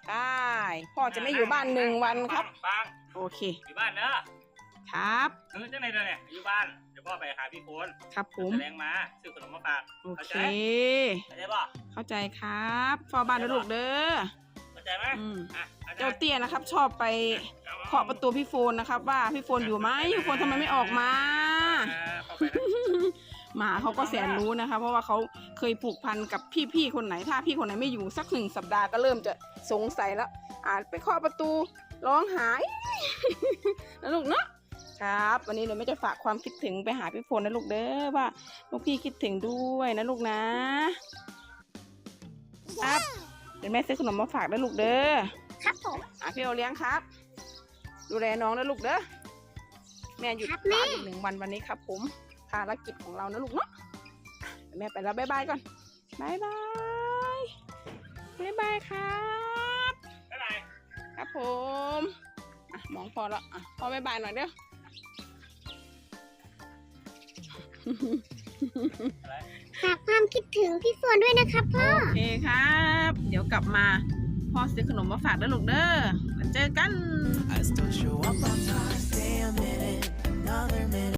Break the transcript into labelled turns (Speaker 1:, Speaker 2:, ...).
Speaker 1: ได้พ่อจะไม่อยู่บ้าน1 วันครับ
Speaker 2: ฟัง
Speaker 1: โอเค
Speaker 2: อยู่บ้านเนอะ
Speaker 1: ครับ
Speaker 2: จังไหนเนี่ยอยู่บ้านเดี๋ยวพ่อไปหาพี่โคน
Speaker 1: ครับผม
Speaker 2: แสดงมาซื้อขนมมาฝาก
Speaker 1: โอเค
Speaker 2: เข้าใจป่ะ
Speaker 1: เข้าใจครับเฝ้าบ้านนะลูกเด้อ
Speaker 2: เข้าใจไหม
Speaker 1: เจ้าเตี้ยนะครับ ชอบไปเคาะประตูพี่โฟนนะครับ ว่าพี่โฟนอยู่ไหมพี่โฟนทำไมไม่ออกมา
Speaker 2: เข้าไปนะ
Speaker 1: หมาเขาก็แสนรู้นะคะ เพราะว่าเขาเคยผูกพันกับพี่คนไหนถ้าพี่คนไหนไม่อยู่สัก1 สัปดาห์ก็เริ่มจะสงสัยแล้วไปเคาะประตูร้องหาย นะลูกเนาะครับวันนี้เราไม่จะฝากความคิดถึงไปหาพี่โฟนนะลูกเด้อว่าลูกพี่คิดถึงด้วยนะลูกนะครับเดี๋ยวแม่ซื้อขนมมาฝากนะลูกเด้อ
Speaker 3: ครับผม
Speaker 1: พี่โอเลี้ยงครับ ดูแลน้องนะลูกเด้อแม่หยุด
Speaker 3: ครับ
Speaker 1: บ้าน
Speaker 3: แม่
Speaker 1: อีก1 วันวันนี้ครับผมภารกิจของเรานะลูกเนาะแม่ไปแล้วบ๊ายบายก่อนบ๊ายบายบ๊ายบายครับ
Speaker 2: ไปไหน
Speaker 1: ครับผมมองพอแล้วพ่อบ๊ายบายหน่อยเด้อ
Speaker 3: ฝากความคิดถึงพี่โฟนด้วยนะครับพ่อ
Speaker 1: โอเคครับ เดี๋ยวกลับมาพ่อซื้อขนมมาฝากนะลูกเด้อมาเจอกัน
Speaker 4: I still show up on time, stay a minute, another minute.